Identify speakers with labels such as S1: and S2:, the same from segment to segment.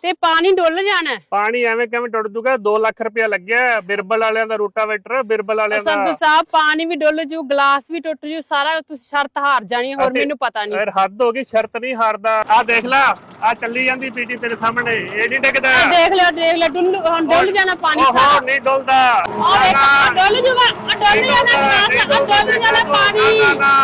S1: ਤੇ ਪਾਣੀ ਡੁੱਲ ਜਾਣਾ।
S2: ਪਾਣੀ ਐਵੇਂ ਕਿਵੇਂ ਡੁੱਲ ਜੂਗਾ? 2 ਲੱਖ ਰੁਪਇਆ ਲੱਗਿਆ ਬਿਰਬਲ ਵਾਲਿਆਂ ਦਾ ਰੂਟਾਵੇਟਰ, ਬਿਰਬਲ ਵਾਲਿਆਂ ਦਾ।
S1: ਸੰਧੂ ਸਾਹਿਬ ਪਾਣੀ ਵੀ ਡੁੱਲ ਜੂ, ਗਲਾਸ ਵੀ ਟੁੱਟ ਜੂ, ਸਾਰਾ ਤੁਸੀਂ ਸ਼ਰਤ ਹਾਰ ਜਾਣੀ, ਹੋਰ ਮੈਨੂੰ ਪਤਾ ਨਹੀਂ।
S2: ਯਾਰ ਹੱਦ ਹੋ ਗਈ, ਸ਼ਰਤ ਨਹੀਂ ਹਾਰਦਾ। ਆ ਦੇਖ ਲੈ, ਆ ਚੱਲੀ ਜਾਂਦੀ ਪੀਟੀ ਤੇਰੇ ਸਾਹਮਣੇ, ਇਹ ਨਹੀਂ ਡਿੱਗਦਾ।
S1: ਦੇਖ ਲਿਓ ਡੁੱਲ ਜਾਣਾ ਪਾਣੀ ਸਾਰਾ।
S2: ਨਹੀਂ ਡੁੱਲਦਾ।
S1: ਆ ਵੇਖ ਡੁੱਲ ਜੂਗਾ, ਡੁੱਲ ਜਾਣਾ ਗਲਾਸ, ਡੁੱਲ ਜਾਣਾ ਪਾਣੀ।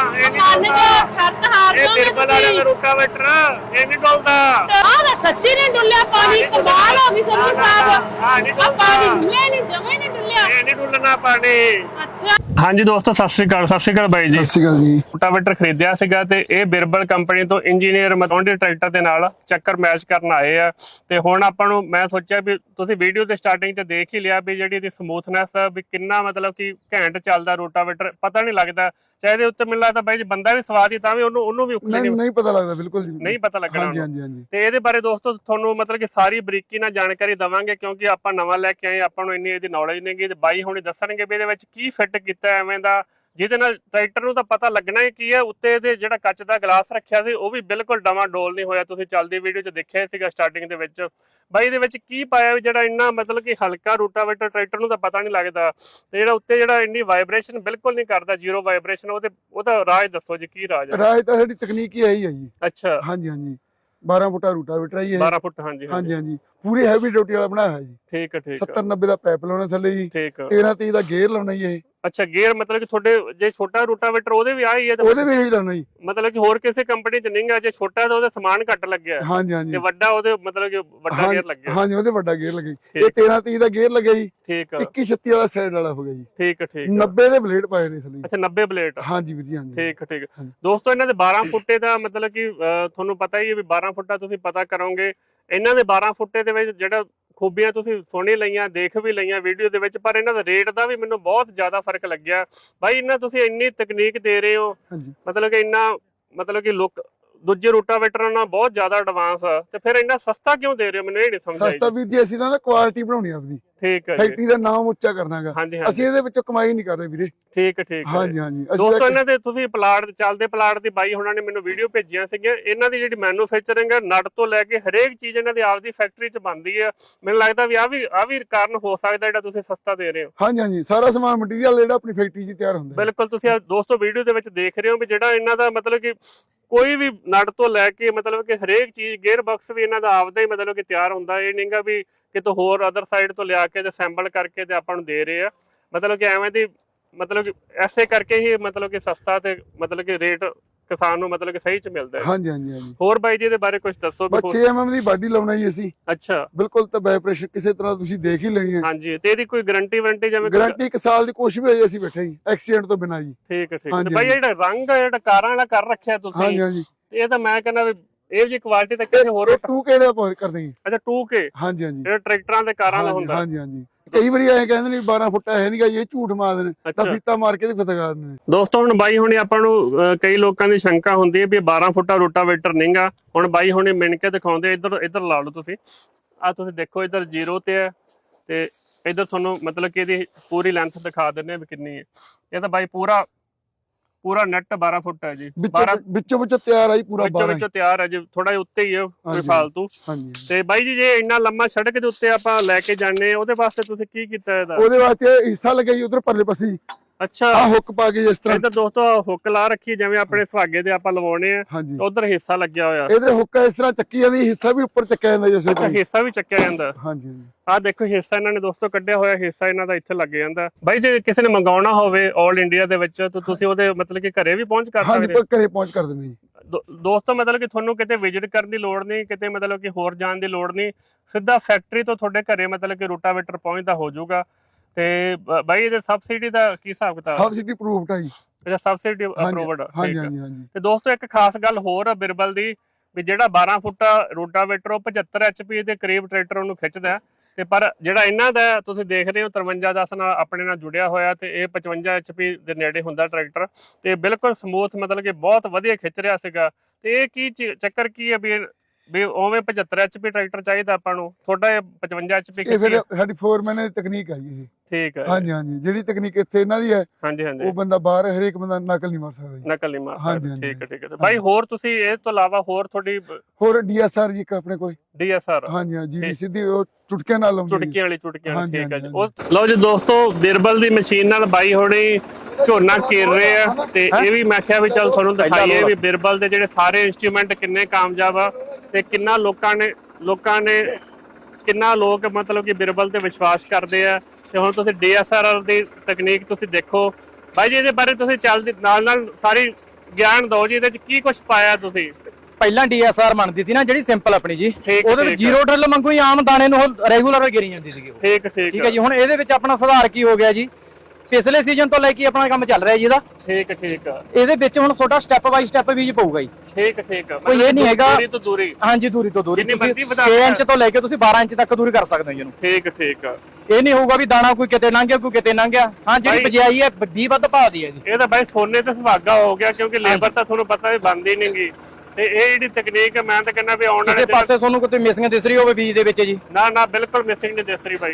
S1: ਮੰਨ ਜਾ, ਸ਼ਰਤ ਹਾਰ
S2: ਇਹ
S1: ਜਾਓਗੇ
S2: ਬਿਰਬਲ ਵਾਲਿਆਂ ਦਾ
S1: ਤੁਸੀਂ।
S2: ਰੂਟਾਵੇਟਰ ਇਹ ਨਹੀਂ ਡੁੱਲਦਾ।
S1: ਆਹ ਤਾਂ ਸੱਚੀ ਨਹੀਂ ਡੁੱਲਿਆ ਪਾਣੀ, ਕਮਾਲ ਹੋ ਗਈ ਸੰਧੂ ਸਾਹਿਬ।
S2: ਆ ਨਹੀਂ
S1: ਆ ਪਾਣੀ ਡੁੱਲਿਆ ਨਹੀਂ, ਜਮੇ ਨਹੀਂ ਡੁੱਲਿਆ।
S2: ਇਹ ਨਹੀਂ ਡੁੱਲਣਾ ਪਾਣੀ।
S1: ਅੱਛਾ
S2: ਹਾਂਜੀ ਦੋਸਤੋ, ਸਤਿ ਸ਼੍ਰੀ ਅਕਾਲ। ਸਤਿ ਸ਼੍ਰੀ ਅਕਾਲ ਬਾਈ ਜੀ।
S3: ਸਤਿ ਸ਼੍ਰੀ ਅਕਾਲ ਜੀ।
S2: ਰੂਟਾਵੇਟਰ ਖਰੀਦਿਆ ਸੀਗਾ ਤੇ ਇਹ ਬਿਰਬਲ ਕੰਪਨੀ ਤੋਂ ਇੰਜੀਨੀਅਰ ਮਤੌਂਡੀ ਟਰੈਕਟਰ ਦੇ ਨਾਲ ਚੱਕਰ ਮੈਚ ਕਰਨ ਆਏ ਆ। ਤੇ ਹੁਣ ਆਪਾਂ ਨੂੰ ਮੈਂ ਸੋਚਿਆ ਵੀ ਤੁਸੀਂ ਵੀਡੀਓ ਦੇ ਸਟਾਰਟਿੰਗ 'ਚ ਦੇਖ ਹੀ ਲਿਆ ਵੀ ਜਿਹੜੀ ਇਹਦੀ ਸਮੂਥਨੈਸ ਵੀ ਕਿੰਨਾ ਮਤਲਬ ਕਿ ਘੈਂਟ ਚੱਲਦਾ ਰੂਟਾਵੇਟਰ, ਪਤਾ ਨਹੀਂ ਲੱਗਦਾ। ਚਾਹੇ ਇਹਦੇ ਉੱਤੇ ਮੈਨੂੰ ਲੱਗਦਾ ਬਾਈ ਜੀ ਬੰਦਾ ਵੀ ਸਵਾਦ ਹੀ, ਤਾਂ ਵੀ ਉਹਨੂੰ ਵੀ
S3: ਨਹੀਂ ਪਤਾ ਲੱਗਦਾ, ਬਿਲਕੁਲ ਜੀ
S2: ਨਹੀਂ ਪਤਾ ਲੱਗਣਾ।
S3: ਹਾਂਜੀ ਹਾਂਜੀ ਹਾਂਜੀ।
S2: ਤੇ ਇਹਦੇ ਬਾਰੇ ਦੋਸਤੋ ਤੁਹਾਨੂੰ ਮਤਲਬ ਕਿ ਸਾਰੀ ਬਰੀਕੀ ਨਾਲ ਜਾਣਕਾਰੀ ਦਵਾਂਗੇ, ਕਿਉਂਕਿ ਆਪਾਂ ਨਵਾਂ ਲੈ ਕੇ ਆਏ, ਆਪਾਂ ਨੂੰ ਇੰਨੀ ਇਹਦੀ ਨੌਲੇਜ ਨਹੀਂ ਗੀ। ਤੇ ਬਾਈ ਹੁਣੇ ਦੱਸਣਗੇ ਵੀ ਇਹਦੇ ਵਿੱਚ ਕੀ ਫਿੱਟ ਕੀਤਾ ਐਵੇਂ ਦਾ, ਜਿਹਦੇ ਨਾਲ ਟਰੈਕਟਰ ਨੂੰ ਤਾਂ ਪਤਾ ਲੱਗਣਾ ਹੀ ਕੀ ਹੈ। ਉੱਤੇ ਇਹਦੇ ਜਿਹੜਾ ਕੱਚ ਦਾ ਗਲਾਸ ਰੱਖਿਆ ਸੀ ਉਹ ਵੀ ਬਿਲਕੁਲ ਡੋਲ ਨਹੀਂ ਹੋਇਆ, ਤੁਸੀਂ ਚੱਲਦੀ ਵੀਡੀਓ 'ਚ ਦੇਖਿਆ ਸੀਗਾ ਸਟਾਰਟਿੰਗ ਦੇ ਵਿੱਚ। ਬਾਈ ਇਹਦੇ ਵਿੱਚ ਕੀ ਪਾਇਆ ਵੀ ਜਿਹੜਾ ਇੰਨਾ ਮਤਲਬ ਕਿ ਹਲਕਾ ਰੂਟਾਵੇਟਰ ਟਰੈਕਟਰ ਨੂੰ ਤਾਂ ਪਤਾ ਨਹੀਂ ਲੱਗਦਾ, ਤੇ ਜਿਹੜਾ ਉੱਤੇ ਜਿਹੜਾ ਇੰਨੀ ਵਾਈਬ੍ਰੇਸ਼ਨ ਬਿਲਕੁਲ ਨਹੀਂ ਕਰਦਾ, ਜ਼ੀਰੋ ਵਾਈਬ੍ਰੇਸ਼ਨ, ਉਹਦਾ ਰਾਜ ਦੱਸੋ ਜੀ, ਕੀ ਰਾਜ ਹੈ?
S3: ਰਾਜ ਤਾਂ ਸਾਡੀ ਤਕਨੀਕ ਹੀ ਇਹੀ ਹੈ ਜੀ।
S2: ਅੱਛਾ,
S3: ਹਾਂਜੀ ਹਾਂਜੀ। 12 ਫੁੱਟਾ ਰੂਟਾਵੇਟਰ ਹੈ ਜੀ।
S2: 12 ਫੁੱਟ। ਹਾਂਜੀ
S3: ਹਾਂਜੀ ਹਾਂਜੀ, ਪੂਰੀ ਹੈਵੀ ਡਿਊਟੀ ਵਾਲਾ ਬਣਾਇਆ ਹੈ ਜੀ।
S2: ਠੀਕ ਹੈ, ਠੀਕ ਹੈ,
S3: 70 90 ਦਾ ਪਾਈਪ ਲਾਉਣਾ ਥੱਲੇ ਜੀ,
S2: ਠੀਕ ਹੈ।
S3: 13 30 ਦਾ ਗੇਅਰ ਲਾਉਣਾ ਜੀ। ਇਹ
S2: ਅੱਛਾ, ਗੇਅਰ ਮਤਲਬ ਕਿ ਤੁਹਾਡੇ ਜੇ ਛੋਟਾ ਰੂਟਾਵੇਟਰ ਉਹਦੇ ਵੀ ਆਹੀ ਹੈ ਤੇ
S3: ਉਹਦੇ ਵੀ ਇਹੀ ਲਾਉਣਾ ਜੀ।
S2: ਮਤਲਬ ਕਿ ਹੋਰ ਕਿਸੇ ਕੰਪਨੀ 'ਚ ਨਹੀਂ ਗਾ, ਜੇ ਛੋਟਾ ਤਾਂ ਉਹਦਾ ਸਮਾਨ ਘੱਟ ਲੱਗਿਆ
S3: ਹਾਂਜੀ ਹਾਂਜੀ।
S2: ਤੇ ਵੱਡਾ ਉਹਦੇ ਮਤਲਬ ਕਿ ਵੱਡਾ ਗੇਅਰ ਲੱਗਿਆ।
S3: ਹਾਂਜੀ, ਉਹਦੇ ਵੱਡਾ ਗੇਅਰ ਲੱਗਿਆ। ਇਹ 13 30 ਦਾ ਗੇਅਰ ਲੱਗਿਆ ਜੀ।
S2: ਠੀਕ ਹੈ,
S3: 21 36 ਵਾਲਾ ਸਾਈਡ ਵਾਲਾ ਹੋ ਗਿਆ ਜੀ।
S2: ਠੀਕ ਹੈ, ਠੀਕ ਹੈ।
S3: 90 ਦੇ ਬਲੇਡ ਪਾਏ ਨੇ ਥੱਲੇ।
S2: ਅੱਛਾ, 90 ਬਲੇਡ।
S3: ਹਾਂਜੀ ਵੀਰ ਜੀ, ਹਾਂਜੀ।
S2: ਠੀਕ ਹੈ, ਠੀਕ ਹੈ।
S3: ਹਾਂਜੀ।
S2: ਦੋਸਤੋ ਇਹਨਾਂ ਦੇ 12 ਫੁੱਟੇ ਦਾ ਮਤਲਬ ਕਿ ਤੁਹਾਨੂੰ ਪਤਾ ਹੀ ਹੈ ਵੀ 12 ਫੁੱਟਾ ਤੁਸੀਂ ਪਤਾ ਕਰੋਗੇ। ਇਹਨਾਂ ਦੇ 12 ਫੁੱਟੇ ਦੇ ਵਿੱਚ ਜਿਹੜਾ ਖੂਬੀਆਂ ਤੁਸੀਂ ਸੁਣੀ ਲਈਆਂ, ਦੇਖ ਵੀ ਲਈਆਂ ਵੀਡੀਓ ਦੇ ਵਿੱਚ, ਪਰ ਇਹਨਾਂ ਦਾ ਰੇਟ ਦਾ ਵੀ ਮੈਨੂੰ ਬਹੁਤ ਜ਼ਿਆਦਾ ਫਰਕ ਲੱਗਿਆ। ਬਾਈ ਇਹਨਾਂ ਤੁਸੀਂ ਇੰਨੀ ਤਕਨੀਕ ਦੇ ਰਹੇ ਹੋ, ਮਤਲਬ ਕਿ ਇੰਨਾ ਮਤਲਬ ਕਿ ਲੁੱਕ ਦੂਜੇ ਰੂਟਾਵੇਟਰਾਂ ਨਾਲ ਬਹੁਤ ਜ਼ਿਆਦਾ ਐਡਵਾਂਸ ਆ, ਤੇ ਫਿਰ ਇੰਨਾ ਸਸਤਾ ਕਿਉਂ ਦੇ ਰਹੇ ਹੋ? ਮੈਨੂੰ ਇਹ ਨਹੀਂ ਸਮਝ ਆਈ।
S3: ਸਸਤਾ ਵੀਰ ਜੀ, ਅਸੀਂ ਤਾਂ ਕੁਆਲਿਟੀ ਬਣਾਉਣੀ ਆਪਦੀ।
S2: ਠੀਕ ਹੈ ਜੀ।
S3: ਫੈਕਟਰੀ ਦਾ ਨਾਮ ਉੱਚਾ ਕਰਨਾਗਾ।
S2: ਹਾਂਜੀ
S3: ਅਸੀਂ ਇਹਦੇ ਵਿੱਚੋਂ ਕਮਾਈ ਨਹੀਂ ਕਰ ਰਹੇ ਵੀਰੇ।
S2: ਠੀਕ ਹੈ, ਠੀਕ ਹੈ।
S3: ਹਾਂਜੀ ਹਾਂਜੀ।
S2: ਦੋਸਤੋ ਇਹਨਾਂ ਦੇ ਤੁਸੀਂ ਪਲਾਟ ਚੱਲਦੇ ਪਲਾਟ ਦੀ ਬਾਈ ਹੁਣਾਂ ਨੇ ਮੈਨੂੰ ਵੀਡੀਓ ਭੇਜੀਆਂ ਸੀਗੀਆਂ। ਇਹਨਾਂ ਦੀ ਜਿਹੜੀ ਮੈਨੂਫੈਕਚਰਿੰਗ ਹੈ, ਨਟ ਤੋਂ ਲੈ ਕੇ ਹਰੇਕ ਚੀਜ਼ ਇਹਨਾਂ ਦੀ ਆਪਦੀ ਫੈਕਟਰੀ 'ਚ ਬਣਦੀ ਹੈ। ਮੈਨੂੰ ਲੱਗਦਾ ਵੀ ਆ ਵੀ ਕਾਰਨ ਹੋ ਸਕਦਾ ਜਿਹੜਾ ਤੁਸੀਂ ਸਸਤਾ ਦੇ ਰਹੇ ਹੋ।
S3: ਹਾਂਜੀ ਹਾਂਜੀ, ਸਾਰਾ ਸਮਾਨ ਮਟੀਰੀਅਲ ਜਿਹੜਾ ਆਪਣੀ ਫੈਕਟਰੀ 'ਚ ਤਿਆਰ ਹੁੰਦਾ।
S2: ਬਿਲਕੁਲ, ਤੁਸੀਂ ਦੋਸਤੋ ਵੀਡੀਓ ਦੇ ਵਿੱਚ ਦੇਖ ਰਹੇ ਹੋ ਵੀ ਜਿਹੜਾ ਇਹਨਾਂ ਦਾ ਮਤਲਬ ਕਿ ਕੋਈ ਵੀ ਨਟ ਤੋਂ ਲੈ ਕੇ ਮਤਲਬ ਕਿ ਹਰੇਕ ਚੀਜ਼, ਗੇਅਰ ਬਾਕਸ ਵੀ ਇਹਨਾਂ ਦਾ ਆਪਦਾ ਹੀ ਮਤਲਬ ਕਿ ਤਿਆਰ ਹੁੰਦਾ। ਇਹ ਨਹੀਂਗਾ ਵੀ ਕਿਤੋਂ ਹੋਰ ਅਦਰ ਸਾਈਡ ਤੋਂ ਲਿਆ ਕੇ ਤੇ ਅਸੈਂਬਲ ਕਰਕੇ ਤੇ ਆਪਾਂ ਨੂੰ ਦੇ ਰਹੇ ਆ। ਮਤਲਬ ਕਿ ਐਵੇਂ ਦੀ ਮਤਲਬ ਕਿ ਐਸੇ ਕਰਕੇ ਹੀ ਮਤਲਬ ਕਿ ਸਸਤਾ ਤੇ ਮਤਲਬ ਕਿ ਰੇਟ ਕਿਸਾਨ ਨੂੰ ਮਤਲਬ ਕਿ ਸਹੀ 'ਚ ਮਿਲਦਾ ਹੈ।
S3: ਹਾਂਜੀ ਹਾਂਜੀ ਹਾਂਜੀ।
S2: ਹੋਰ ਬਾਈ ਜੀ ਦੇ ਬਾਰੇ ਕੁਝ ਦੱਸੋ।
S3: 6 mm ਦੀ ਬਾਡੀ ਲਾਉਣਾ ਜੀ ਅਸੀਂ।
S2: ਅੱਛਾ,
S3: ਬਿਲਕੁਲ, ਤਾਂ ਵਾਈਬ੍ਰੇਸ਼ਨ ਕਿਸੇ ਤਰ੍ਹਾਂ ਤੁਸੀਂ ਦੇਖ ਹੀ ਲੈਣੀ ਹੈ।
S2: ਹਾਂਜੀ, ਤੇ ਇਹਦੀ ਕੋਈ ਗਾਰੰਟੀ ਵਾਰੰਟੀ ਜਿਵੇਂ?
S3: ਗਾਰੰਟੀ 1 ਸਾਲ ਦੀ, ਕੁਛ ਵੀ ਹੋ ਜਾਏ ਅਸੀਂ ਬੈਠੇ ਜੀ, ਐਕਸੀਡੈਂਟ ਤੋਂ ਬਿਨਾਂ ਜੀ।
S2: ਠੀਕ ਹੈ, ਠੀਕ ਹੈ। ਬਾਈ ਜਿਹੜਾ ਰੰਗ ਹੈ, ਜਿਹੜਾ ਕਾਰਾਂ ਵਾਲਾ ਕਰ ਰੱਖਿਆ ਤੁਸੀਂ,
S3: ਹਾਂਜੀ ਹਾਂਜੀ,
S2: ਇਹ ਤਾਂ ਮੈਂ ਕਹਿੰਦਾ ਵੀ ਇਹ ਜੀ ਕੁਆਲਿਟੀ ਤਾਂ ਕਿਸੇ ਹੋਰ
S3: 2K ਦਾ ਕਰਦੇ ਜੀ।
S2: ਅੱਛਾ, 2K।
S3: ਹਾਂਜੀ ਹਾਂਜੀ,
S2: ਜਿਹੜਾ ਟਰੈਕਟਰਾਂ ਦੇ ਕਾਰਾਂ ਦਾ ਹੁੰਦਾ।
S3: ਹਾਂਜੀ ਹਾਂਜੀ। ਕਈ ਵਾਰੀ ਐਂ ਕਹਿੰਦੇ ਨੇ 12 ਫੁੱਟਾ ਹੈ ਨਹੀਂਗਾ, ਇਹ ਝੂਠ ਮਾਰਦੇ ਨੇ, ਤਾਂ ਫੀਤਾ ਮਾਰ ਕੇ ਤੇ ਫਤਕਾਰ ਨੇ।
S2: ਦੋਸਤੋ ਹੁਣ ਬਾਈ ਹੁਣੇ ਆਪਾਂ ਨੂੰ ਕਈ ਲੋਕਾਂ ਦੀ ਸ਼ੰਕਾ ਹੁੰਦੀ ਹੈ ਵੀ 12 ਫੁੱਟਾ ਰੋਟਾਵੇਟਰ ਨਹੀਂਗਾ। ਹੁਣ ਬਾਈ ਹੁਣੇ ਮਿਣ ਕੇ ਦਿਖਾਉਂਦੇ। ਇੱਧਰ ਲਾ ਲਓ ਤੁਸੀਂ, ਆ ਤੁਸੀਂ ਦੇਖੋ, ਇੱਧਰ 0 ਤੇ ਹੈ ਤੇ ਇੱਧਰ ਤੁਹਾਨੂੰ ਮਤਲਬ ਕਿ ਇਹਦੀ ਪੂਰੀ ਲੈਂਥ ਦਿਖਾ ਦਿੰਦੇ ਵੀ ਕਿੰਨੀ ਹੈ। ਇਹ ਤਾਂ ਬਾਈ ਪੂਰਾ ਨੈਟ 12 ਫੁੱਟ ਹੈ ਜੀ।
S3: ਵਿੱਚੋਂ ਤਿਆਰ ਆਈ ਪੂਰਾ,
S2: ਵਿੱਚੋਂ ਤਿਆਰ ਹੈ ਜੀ, ਥੋੜਾ ਉੱਤੇ ਹੀ ਹੈ ਕੋਈ ਫਾਲਤੂ। ਤੇ ਬਾਈ ਜੀ ਜੇ ਇੰਨਾ ਲੰਮਾ ਸੜਕ ਦੇ ਉੱਤੇ ਆਪਾਂ ਲੈ ਕੇ ਜਾਣੇ, ਉਹਦੇ ਵਾਸਤੇ ਤੁਸੀਂ ਕੀ ਕੀਤਾ ਇਹਦਾ?
S3: ਉਹਦੇ ਵਾਸਤੇ ਹਿੱਸਾ ਲੱਗਿਆ ਜੀ ਉਧਰ ਪਰਲੇ ਪਾਸੇ।
S2: ਅੱਛਾ,
S3: ਆ ਹੁੱਕ ਪਾ ਕੇ ਜਿਸ ਤਰ੍ਹਾਂ
S2: ਇੱਧਰ ਦੋਸਤੋ ਹੁੱਕ ਲਾ ਰੱਖੀ, ਜਿਵੇਂ ਆਪਣੇ ਸੁਹਾਗੇ ਤੇ ਆਪਾਂ ਲਵਾਉਣੇ ਆ, ਉਧਰ ਹਿੱਸਾ ਲੱਗਿਆ ਹੋਇਆ।
S3: ਇਹਦੇ ਹੁੱਕ ਇਸ ਤਰ੍ਹਾਂ ਚੱਕੀ ਜਾਂਦੀ, ਹਿੱਸਾ ਵੀ ਉੱਪਰ ਚੱਕਿਆ ਜਾਂਦਾ ਜੀ।
S2: ਅੱਛਾ, ਹਿੱਸਾ ਵੀ ਚੱਕਿਆ ਜਾਂਦਾ।
S3: ਹਾਂਜੀ,
S2: ਆਹ ਦੇਖੋ ਹਿੱਸਾ ਇਹਨਾਂ ਨੇ ਦੋਸਤੋ ਕੱਢਿਆ ਹੋਇਆ, ਹਿੱਸਾ ਇਹਨਾਂ ਦਾ ਇੱਥੇ ਲੱਗ ਜਾਂਦਾ। ਬਾਈ ਜੇ ਕਿਸੇ ਨੇ ਮੰਗਾਉਣਾ ਹੋਵੇ ਆਲ ਇੰਡੀਆ ਦੇ ਵਿੱਚ, ਤਾਂ ਤੁਸੀਂ ਉਹਦੇ ਮਤਲਬ ਕਿ ਘਰੇ ਵੀ ਪਹੁੰਚ ਕਰ ਸਕਦੇ?
S3: ਹਾਂਜੀ, ਘਰੇ ਪਹੁੰਚ ਕਰ ਦਿੰਦੇ ਜੀ।
S2: ਦੋਸਤੋ ਮਤਲਬ ਕਿ ਤੁਹਾਨੂੰ ਕਿਤੇ ਵਿਜ਼ਿਟ ਕਰਨ ਦੀ ਲੋੜ ਨਹੀਂ, ਕਿਤੇ ਮਤਲਬ ਕਿ ਹੋਰ ਜਾਣ ਦੀ ਲੋੜ ਨਹੀਂ, ਸਿੱਧਾ ਫੈਕਟਰੀ ਤੋਂ ਤੁਹਾਡੇ ਘਰੇ ਮਤਲਬ ਕਿ ਰੂਟਾਵੇਟਰ ਪਹੁੰਚਦਾ ਹੋ ਜਾਊਗਾ। ਤੇ ਬਾਈ ਇਹਦੇ ਸਬਸਿਡੀ ਦਾ ਕੀ ਹਿਸਾਬ ਕਿਤਾਬ?
S3: ਸਬਸਿਡੀ ਅਪਰੂਵਡ ਹੈ ਜੀ।
S2: ਅੱਛਾ, ਸਬਸਿਡੀ ਅਪਰੂਵਡ।
S3: ਹਾਂਜੀ ਹਾਂਜੀ ਹਾਂਜੀ।
S2: ਤੇ ਦੋਸਤੋ ਇੱਕ ਖਾਸ ਗੱਲ ਹੋਰ ਆ ਬਿਰਬਲ ਦੀ, ਵੀ ਜਿਹੜਾ 12 ਫੁੱਟਾ ਰੂਟਾਵੇਟਰ ਉਹ 75 HP ਦੇ ਕਰੀਬ ਟਰੈਕਟਰ ਉਹਨੂੰ ਖਿੱਚਦਾ। ਤੇ ਪਰ ਜਿਹੜਾ ਇਹਨਾਂ ਦਾ ਤੁਸੀਂ ਦੇਖ ਰਹੇ ਹੋ 5310 ਨਾਲ ਆਪਣੇ ਨਾਲ ਜੁੜਿਆ ਹੋਇਆ, ਤੇ ਇਹ 55 HP ਦੇ ਨੇੜੇ ਹੁੰਦਾ ਟਰੈਕਟਰ, ਤੇ ਬਿਲਕੁਲ ਸਮੂਥ ਮਤਲਬ ਕਿ ਬਹੁਤ ਵਧੀਆ ਖਿੱਚ ਰਿਹਾ ਸੀਗਾ। ਤੇ ਇਹ ਕੀ ਚੱਕਰ ਕੀ ਹੈ ਵੀ ਉਵੇਂ 75 HP ਟਰੈਕਟਰ ਚਾਹੀਦਾ ਆਪਾਂ ਨੂੰ, ਤੁਹਾਡਾ ਇਹ 55 HP?
S3: ਇਹ ਫਿਰ ਸਾਡੀ ਫੋਰਮੈਨ ਦੀ ਤਕਨੀਕ ਹੈ ਜੀ।
S2: ਠੀਕ ਹੈ
S3: ਹਾਂਜੀ ਹਾਂਜੀ, ਜਿਹੜੀ ਤਕਨੀਕ ਇੱਥੇ ਇਹਨਾਂ ਦੀ ਹੈ
S2: ਹਾਂਜੀ ਹਾਂਜੀ
S3: ਉਹ ਬੰਦਾ ਬਾਹਰ ਹਰੇਕ ਬੰਦਾ ਨਕਲ ਨਹੀਂ ਮਾਰ ਸਕਦਾ ਜੀ।
S2: ਨਕਲ ਨਹੀਂ ਮਾਰ
S3: ਹਾਂਜੀ,
S2: ਸਕਦਾ।
S3: ਹਾਂਜੀ,
S2: ਠੀਕ ਹੈ ਠੀਕ ਹੈ ਬਾਈ, ਹੋਰ ਤੁਸੀਂ ਇਸ ਤੋਂ ਇਲਾਵਾ ਹੋਰ ਤੁਹਾਡੀ
S3: ਹੋਰ DSR ਜੀ ਇੱਕ ਆਪਣੇ ਕੋਲ।
S2: DSR
S3: ਹਾਂਜੀ ਹਾਂ ਜੀ, ਸਿੱਧੀ ਉਹ ਚੁਟਕਿਆਂ ਨਾਲ ਲਾਉਂਦੀ ਜੀ।
S2: ਚੁਟਕੀਆਂ ਵਾਲੀ ਠੀਕ ਹੈ
S3: ਹਾਂਜੀ,
S2: ਜੀ।
S3: ਹਾਂਜੀ।
S2: ਉਹ ਲਓ ਜੀ ਦੋਸਤੋ, ਬਿਰਬਲ ਦੀ ਮਸ਼ੀਨ ਨਾਲ ਬਾਈ ਹੋਣੀ ਝੋਨਾ ਕੀਰ ਰਹੇ ਆ, ਤੇ ਇਹ ਵੀ ਮੈਂ ਕਿਹਾ ਵੀ ਚੱਲ ਤੁਹਾਨੂੰ ਦਿਖਾਈਏ ਵੀ ਬਿਰਬਲ ਦੇ ਜਿਹੜੇ ਸਾਰੇ ਇੰਸਟਰੂਮੈਂਟ ਕਿੰਨੇ ਕਾਮਯਾਬ ਆ, ਤੇ ਕਿੰਨਾ ਲੋਕਾਂ ਨੇ ਕਿੰਨਾ ਲੋਕ ਮਤਲਬ ਕਿ ਬਿਰਬਲ ਤੇ ਵਿਸ਼ਵਾਸ ਕਰਦੇ ਆ। ਤੇ ਹੁਣ ਤੁਸੀਂ DSR ਦੀ ਤਕਨੀਕ ਤੁਸੀਂ ਦੇਖੋ ਬਾਈ ਜੀ, ਇਹਦੇ ਬਾਰੇ ਤੁਸੀਂ ਚੱਲਦੇ ਨਾਲ ਸਾਰੀ ਗਿਆਨ ਦਿਓ ਜੀ, ਇਹਦੇ ਚ ਕੀ ਕੁਝ ਪਾਇਆ ਤੁਸੀਂ।
S4: ਪਹਿਲਾਂ DSR ਬਣਦੀ ਸੀ ਨਾ ਜਿਹੜੀ ਸਿੰਪਲ ਆਪਣੀ ਜੀ, ਉਹਦੇ ਵਿੱਚ ਜ਼ੀਰੋ ਡਰਿਲ ਵਾਂਗੂ ਹੀ ਆਮ ਦਾਣੇ ਨੂੰ ਰੈਗੂਲਰ ਗਿਰੀ ਜਾਂਦੀ ਸੀਗੀ। ਠੀਕ ਹੈ ਜੀ। ਹੁਣ ਇਹਦੇ ਵਿੱਚ ਆਪਣਾ ਸੁਧਾਰ ਕੀ ਹੋ ਗਿਆ ਜੀ, ਪਿਛਲੇ ਸੀਜ਼ਨ ਤੋਂ ਲੈ ਕੇ ਆਪਣਾ ਕੰਮ ਚੱਲ ਰਿਹਾ ਜੀ ਇਹਦਾ।
S2: ਠੀਕ
S4: ਇਹਦੇ ਵਿੱਚ ਹੁਣ ਤੁਹਾਡਾ ਸਟੈਪ ਬਾਈ ਸਟੈਪ ਬੀਜ ਪਊਗਾ ਜੀ।
S2: ਠੀਕ
S4: ਕੋਈ ਇਹ ਨਹੀਂ ਹੈਗਾ
S2: ਦੂਰੀ ਤੋਂ ਦੂਰੀ।
S4: ਹਾਂਜੀ, ਦੂਰੀ ਤੋਂ ਦੂਰੀ।
S2: ਜਿੰਨੀ ਮਰਜ਼ੀ ਵਧਾ
S4: 6 ਇੰਚ ਤੋਂ ਲੈ ਕੇ ਤੁਸੀਂ 12 ਇੰਚ ਤੱਕ ਦੂਰੀ ਕਰ ਸਕਦੇ ਹੋ ਜੀ ਇਹਨੂੰ।
S2: ਠੀਕ
S4: ਇਹ ਨਹੀਂ ਹੋਊਗਾ ਵੀ ਦਾਣਾ ਕੋਈ ਕਿਤੇ ਲੰਘ ਗਿਆ ਕੋਈ ਕਿਤੇ ਲੰਘ ਗਿਆ। ਹਾਂ, ਜਿਹੜੀ ਬਜਾਈ ਹੈ 20 ਵੱਧ ਪਾ ਦੀ ਹੈ ਜੀ।
S2: ਇਹ ਤਾਂ ਬਾਈ ਸੋਨੇ ਤੇ ਸੁਹਾਗਾ ਹੋ ਗਿਆ, ਕਿਉਂਕਿ ਲੇਬਰ ਤਾਂ ਤੁਹਾਨੂੰ ਪਤਾ ਵੀ ਬਣਦੀ ਨਹੀਂਗੀ। ਤੇ ਇਹ ਜਿਹੜੀ ਤਕਨੀਕ ਹੈ, ਮੈਂ ਤਾਂ ਕਹਿੰਦਾ ਵੀ ਆਉਣ ਵਾਲੇ
S4: ਪਾਸੇ ਤੁਹਾਨੂੰ ਕੋਈ ਮਿਸਿੰਗ ਦਿਸ ਰਹੀ ਹੋਵੇ ਬੀਜ ਦੇ ਵਿੱਚ ਜੀ,
S2: ਨਾ ਬਿਲਕੁਲ ਮਿਸਿੰਗ ਨਹੀਂ ਦਿਸ ਰਹੀ ਬਾਈ,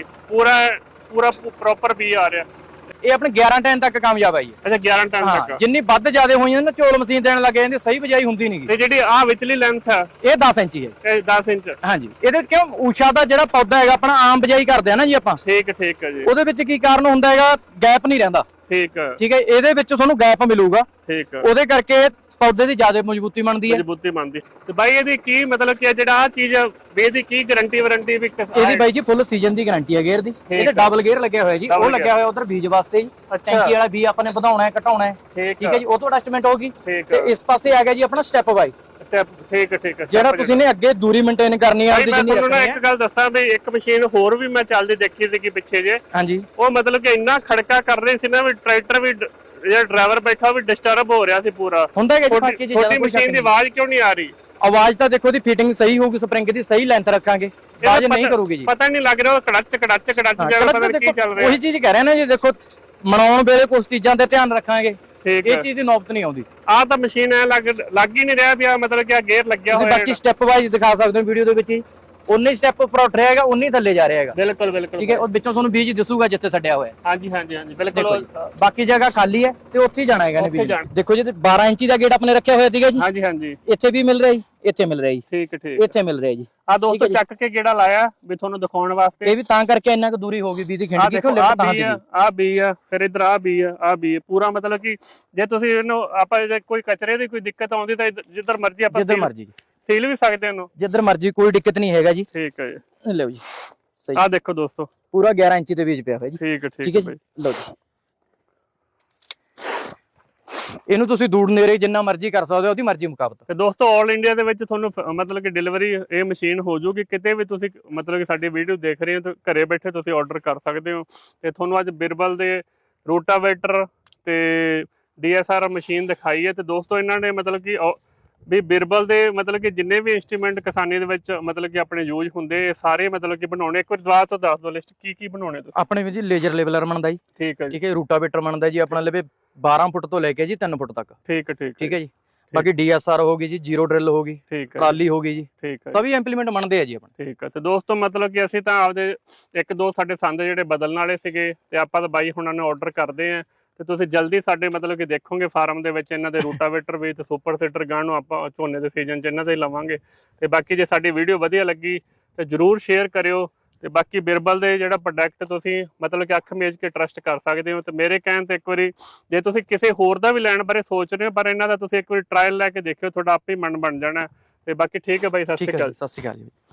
S2: ਪੂਰਾ ਪ੍ਰੋਪਰ ਬੀਜ ਆ ਰਿਹਾ।
S4: ਇਹ ਆਪਣੇ 11 ਟਨ ਤੱਕ ਕਾਮਯਾਬ ਹੈ ਜੀ।
S2: ਅੱਛਾ 11 ਟਨ ਤੱਕ।
S4: ਜਿੰਨੀ ਵੱਧ ਜ਼ਿਆਦਾ ਹੋਈਆਂ ਨਾ ਝੋਲ ਮਸ਼ੀਨ ਦੇਣ ਲੱਗੇ ਜਾਂਦੇ, ਸਹੀ ਬਜਾਈ ਹੁੰਦੀ ਨਹੀਂ।
S2: ਤੇ ਜਿਹੜੀ ਆ ਵਿਚਲੀ ਲੈਂਥ ਹੈ
S4: ਇਹ 10 ਇੰਚ ਹੈ।
S2: ਇਹ 10 ਇੰਚ।
S4: ਹਾਂਜੀ, ਇਹਦੇ ਕਿਉਂ ਊਸ਼ਾ ਦਾ ਜਿਹੜਾ ਪੌਦਾ ਹੈਗਾ ਆਪਣਾ ਆਮ ਬਜਾਈ ਕਰਦੇ ਆ ਨਾ ਜੀ ਆਪਾਂ।
S2: ਠੀਕ ਹੈ ਜੀ।
S4: ਉਹਦੇ ਵਿੱਚ ਕੀ ਕਾਰਨ ਹੁੰਦਾ ਹੈਗਾ, ਗੈਪ ਨਹੀਂ ਰਹਿੰਦਾ। ਠੀਕ ਹੈ, ਇਹਦੇ ਵਿੱਚ ਤੁਹਾਨੂੰ ਗੈਪ ਮਿਲੂਗਾ। ਉਹਦੇ ਕਰਕੇ ਪੌਦੇ ਦੀ ਜ਼ਿਆਦਾ ਮਜ਼ਬੂਤੀ ਬਣਦੀ ਹੈ।
S2: ਤੇ ਬਾਈ ਇਹਦੀ ਕੀ ਮਤਲਬ ਕਿ ਜਿਹੜਾ ਆ ਚੀਜ਼ ਵੀ ਇਹਦੀ ਕੀ ਗਾਰੰਟੀ ਵਾਰੰਟੀ ਵੀ
S4: ਇਹਦੀ ਬਾਈ ਜੀ ਫੁੱਲ ਸੀਜ਼ਨ ਦੀ ਗਾਰੰਟੀ ਹੈ ਗੇਅਰ ਦੀ। ਇਹਦੇ ਡਬਲ ਗੇਅਰ ਲੱਗਿਆ ਹੋਇਆ ਜੀ, ਉਹ ਲੱਗਿਆ ਹੋਇਆ ਉਧਰ ਬੀਜ ਵਾਸਤੇ ਜੀ। ਟੈਂਕੀ ਵਾਲਾ ਵੀ ਆਪਾਂ ਨੇ ਵਧਾਉਣਾ ਹੈ ਘਟਾਉਣਾ ਹੈ। ਠੀਕ ਹੈ ਜੀ, ਉਹ ਤੋਂ ਅਡਜਸਟਮੈਂਟ ਹੋਗੀ। ਤੇ ਇਸ ਪਾਸੇ ਆ ਗਿਆ ਜੀ ਆਪਣਾ ਸਟੈਪ ਬਾਈ
S2: ਸਟੈਪ। ਠੀਕ ਹੈ
S4: ਜਿਹੜਾ ਤੁਸੀਂ ਨੇ ਅੱਗੇ ਦੂਰੀ ਮੇਨਟੇਨ ਕਰਨੀ ਹੈ।
S2: ਮੈਂ ਤੁਹਾਨੂੰ ਇੱਕ ਗੱਲ ਦੱਸਾਂ ਵੀ ਇੱਕ ਮਸ਼ੀਨ ਹੋਰ ਵੀ ਮੈਂ ਚੱਲਦੀ ਦੇਖੀ ਸੀ ਕਿ ਪਿੱਛੇ ਜੇ।
S4: ਹਾਂਜੀ,
S2: ਉਹ ਮਤਲਬ ਕਿ ਇੰਨਾ ਖੜਕਾ ਕਰ ਰਹੀ ਸੀ ਨਾ ਵੀ ਟਰੈਕਟਰ ਵੀ ਜਿਹੜਾ ਡਰਾਈਵਰ ਬੈਠਾ ਵੀ ਡਿਸਟਰਬ ਹੋ ਰਿਹਾ ਸੀ ਪੂਰਾ।
S4: ਹੁੰਦਾ ਹੈ ਜੀ ਬਾਕੀ ਚੀਜ਼ਾਂ।
S2: ਛੋਟੀ ਮਸ਼ੀਨ ਦੀ ਆਵਾਜ਼ ਕਿਉਂ ਨਹੀਂ ਆ ਰਹੀ?
S4: ਆਵਾਜ਼ ਤਾਂ ਦੇਖੋ ਦੀ ਫਿਟਿੰਗ ਸਹੀ ਹੋਊਗੀ, ਸਪਰਿੰਗ ਦੀ ਸਹੀ ਲੈਂਥ ਰੱਖਾਂਗੇ, ਆਵਾਜ਼ ਨਹੀਂ ਕਰੂਗੀ ਜੀ।
S2: ਪਤਾ ਨਹੀਂ ਲੱਗ ਰਿਹਾ ਉਹ ਕੜੱਚ ਜਿਹੜਾ ਪਤਾ ਨਹੀਂ ਕੀ ਚੱਲ ਰਿਹਾ।
S4: ਉਹੀ ਚੀਜ਼ ਕਹਿ ਰਹੇ ਨਾ ਜੀ, ਦੇਖੋ ਮਨਾਉਣ ਵੇਲੇ ਕੁਝ ਚੀਜ਼ਾਂ ਤੇ ਧਿਆਨ ਰੱਖਾਂਗੇ, ਇਹ ਚੀਜ਼ ਦੀ ਨੌਬਤ ਨਹੀਂ ਆਉਂਦੀ।
S2: ਆਹ ਤਾਂ ਮਸ਼ੀਨ ਐ ਲੱਗ ਹੀ ਨਹੀਂ ਰਿਹਾ ਵੀ ਆ ਮਤਲਬ ਕਿ ਆ ਗੇਅਰ ਲੱਗਿਆ ਹੋਇਆ ਹੈ।
S4: ਬਾਕੀ ਸਟੈਪ ਵਾਈਜ਼ ਦਿਖਾ ਸਕਦੇ ਹੋ ਵੀਡੀਓ ਦੇ ਵਿੱਚ ਹੀ। 19 ਸਟੈਪ ਉੱਪਰ ਉੱਠ ਰਿਹਾ ਹੈਗਾ, 19 ਥੱਲੇ ਜਾ ਰਿਹਾ ਹੈਗਾ।
S2: ਬਿਲਕੁਲ
S4: ਠੀਕ ਹੈ, ਉਹ ਵਿੱਚੋਂ ਤੁਹਾਨੂੰ ਬੀਜ ਦਿਸੂਗਾ ਜਿੱਥੇ ਛੱਡਿਆ ਹੋਇਆ।
S2: ਹਾਂਜੀ ਬਿਲਕੁਲ।
S4: ਬਾਕੀ ਜਗ੍ਹਾ ਖਾਲੀ ਹੈ ਤੇ ਉੱਥੇ ਹੀ ਜਾਣਾ ਹੈਗਾ ਨੇ ਬੀਜ। ਦੇਖੋ ਜੀ 12 ਇੰਚੀ ਦਾ ਗੇਟ ਆਪਣੇ ਰੱਖਿਆ ਹੋਇਆ ਸੀਗਾ ਜੀ।
S2: ਹਾਂਜੀ
S4: ਇੱਥੇ ਵੀ ਮਿਲ ਰਿਹਾ ਜੀ, ਇੱਥੇ ਮਿਲ ਰਿਹਾ ਜੀ।
S2: ਠੀਕ
S4: ਇੱਥੇ ਮਿਲ ਰਿਹਾ ਜੀ।
S2: ਆ ਦੋਸਤੋ ਚੱਕ ਕੇ ਗੇੜਾ ਲਾਇਆ ਵੀ ਤੁਹਾਨੂੰ ਦਿਖਾਉਣ ਵਾਸਤੇ।
S4: ਇਹ ਵੀ ਤਾਂ ਕਰਕੇ ਇੰਨਾ ਕੁ ਦੂਰੀ ਹੋ ਗਈ ਬੀਜ ਦੀ ਖਿੰਡ ਦੀ।
S2: ਆ ਬੀ ਆ, ਫਿਰ ਇਧਰ ਆ ਬੀ ਆ ਪੂਰਾ ਮਤਲਬ ਕਿ ਜੇ ਤੁਸੀਂ ਇਹਨੂੰ ਆਪਾਂ ਕੋਈ ਕਚਰੇ ਦੀ ਕੋਈ ਦਿੱਕਤ ਆਉਂਦੀ ਤਾਂ ਜਿੱਧਰ ਮਰਜ਼ੀ ਆਪਾਂ ਸੀਲ ਵੀ ਸਕਦੇ ਇਹਨੂੰ,
S4: ਜਿੱਧਰ ਮਰਜ਼ੀ, ਕੋਈ ਦਿੱਕਤ ਨਹੀਂ ਹੈਗਾ ਜੀ।
S2: ਠੀਕ ਹੈ ਜੀ।
S4: ਲਓ ਜੀ, ਸਹੀ।
S2: ਆ ਦੇਖੋ ਦੋਸਤੋ,
S4: ਪੂਰਾ 11 ਇੰਚੀ ਦੇ ਬੀਜ ਪਿਆ ਹੋਇਆ ਜੀ।
S2: ਠੀਕ ਹੈ
S4: ਜੀ। ਲਓ ਜੀ, ਇਹਨੂੰ ਤੁਸੀਂ ਦੂਰ ਨੇੜੇ ਜਿੰਨਾ ਮਰਜ਼ੀ ਕਰ ਸਕਦੇ ਹੋ, ਉਹਦੀ ਮਰਜ਼ੀ ਮੁਕਾਬਤ।
S2: ਤੇ ਦੋਸਤੋ ਆਲ ਇੰਡੀਆ ਦੇ ਵਿੱਚ ਤੁਹਾਨੂੰ ਮਤਲਬ ਕਿ ਡਿਲੀਵਰੀ ਇਹ ਮਸ਼ੀਨ ਹੋ ਜੂਗੀ। ਕਿਤੇ ਵੀ ਤੁਸੀਂ ਮਤਲਬ ਕਿ ਸਾਡੀ ਵੀਡੀਓ ਦੇਖ ਰਹੇ ਹੋ ਤਾਂ ਘਰੇ ਬੈਠੇ ਤੁਸੀਂ ਆਰਡਰ ਕਰ ਸਕਦੇ ਹੋ। ਤੇ ਤੁਹਾਨੂੰ ਅੱਜ ਬਿਰਬਲ ਦੇ ਰੋਟਾਵੇਟਰ ਤੇ DSR ਮਸ਼ੀਨ ਦਿਖਾਈ ਹੈ। ਤੇ ਦੋਸਤੋ ਇਹਨਾਂ ਨੇ ਮਤਲਬ ਕਿ ਵੀ ਬਿਰਬਲ ਦੇ ਮਤਲਬ ਕਿ ਜਿੰਨੇ ਵੀ ਇੰਸਟਰੂਮੈਂਟ ਕਿਸਾਨੀ ਦੇ ਵਿੱਚ ਮਤਲਬ ਕਿ ਆਪਣੇ ਯੂਜ਼ ਹੁੰਦੇ ਸਾਰੇ ਮਤਲਬ ਕਿ ਬਣਾਉਣੇ। ਇੱਕ ਵਾਰ ਦੁਬਾਰਾ ਤੋਂ ਦੱਸ ਦਿਓ ਲਿਸਟ ਕੀ ਬਣਾਉਣੇ ਤੁਸੀਂ।
S4: ਆਪਣੇ ਵਿੱਚ ਜੀ ਲੇਜ਼ਰ ਲੈਵਲਰ ਬਣਦਾ ਜੀ।
S2: ਠੀਕ ਹੈ ਜੀ।
S4: ਰੂਟਾਵੇਟਰ ਬਣਦਾ ਜੀ ਆਪਣਾ ਲਵੇ 12 ਫੁੱਟ ਤੋਂ ਲੈ ਕੇ ਜੀ 3 ਫੁੱਟ ਤੱਕ। ਠੀਕ ਹੈ ਜੀ। ਬਾਕੀ DSR ਹੋਗੀ ਜੀ, ਜ਼ੀਰੋ ਡਰਿਲ ਹੋਗੀ, ਟਰਾਲੀ ਹੋਗੀ ਜੀ। ਸਭੀ ਇੰਪਲੀਮੈਂਟ ਬਣਦੇ ਆ ਜੀ ਆਪਣੇ। ਠੀਕ ਹੈ।
S2: ਤੇ ਦੋਸਤੋ ਮਤਲਬ ਕਿ ਅਸੀਂ ਤਾਂ ਆਪਦੇ ਇੱਕ ਦੋ ਸਾਡੇ ਸੰਦ ਜਿਹੜੇ ਬਦਲਣ ਵਾਲੇ ਸੀਗੇ ਤੇ ਆਪਾਂ ਤਾਂ ਬਾਈ ਹੁਣਾਂ ਨੂੰ ਆਰਡਰ ਕਰਦੇ ਆ। ਤੇ ਤੁਸੀਂ ਜਲਦੀ ਸਾਡੇ ਮਤਲਬ ਕਿ ਦੇਖੋਗੇ ਫਾਰਮ ਦੇ ਵਿੱਚ ਇਹਨਾਂ ਦੇ ਰੂਟਾਵੇਟਰ ਵੀ ਤੇ ਸੁਪਰ ਸੀਡਰ ਗਾਂ ਨੂੰ ਆਪਾਂ ਝੋਨੇ ਦੇ ਸੀਜ਼ਨ 'ਚ ਇਹਨਾਂ ਦੇ ਲਵਾਂਗੇ। ਤੇ ਬਾਕੀ ਜੇ ਸਾਡੀ ਵੀਡੀਓ ਵਧੀਆ ਲੱਗੀ ਤੇ ਜਰੂਰ ਸ਼ੇਅਰ ਕਰਿਓ। ਤੇ ਬਾਕੀ ਬਿਰਬਲ ਦੇ ਜਿਹੜਾ ਪ੍ਰੋਡਕਟ ਤੁਸੀਂ ਮਤਲਬ ਕਿ ਅੱਖ ਮੇਜ ਕੇ ਟਰਸਟ ਕਰ ਸਕਦੇ ਹੋ। ਤੇ ਮੇਰੇ ਕਹਿਣ ਤੇ ਇੱਕ ਵਾਰੀ ਜੇ ਤੁਸੀਂ ਕਿਸੇ ਹੋਰ ਦਾ ਵੀ ਲੈਣ ਬਾਰੇ ਸੋਚ ਰਹੇ ਹੋ ਪਰ ਇਹਨਾਂ ਦਾ ਤੁਸੀਂ ਇੱਕ ਵਾਰੀ ਟਰਾਇਲ ਲੈ ਕੇ ਦੇਖਿਓ, ਤੁਹਾਡਾ ਆਪੇ ਹੀ ਮਨ ਬਣ ਜਾਣਾ। ਤੇ ਬਾਕੀ ਠੀਕ ਹੈ ਬਾਈ, ਸਤਿ ਸ਼੍ਰੀ ਅਕਾਲ।
S4: ਸਤਿ ਸ਼੍ਰੀ ਅਕਾਲ ਜੀ।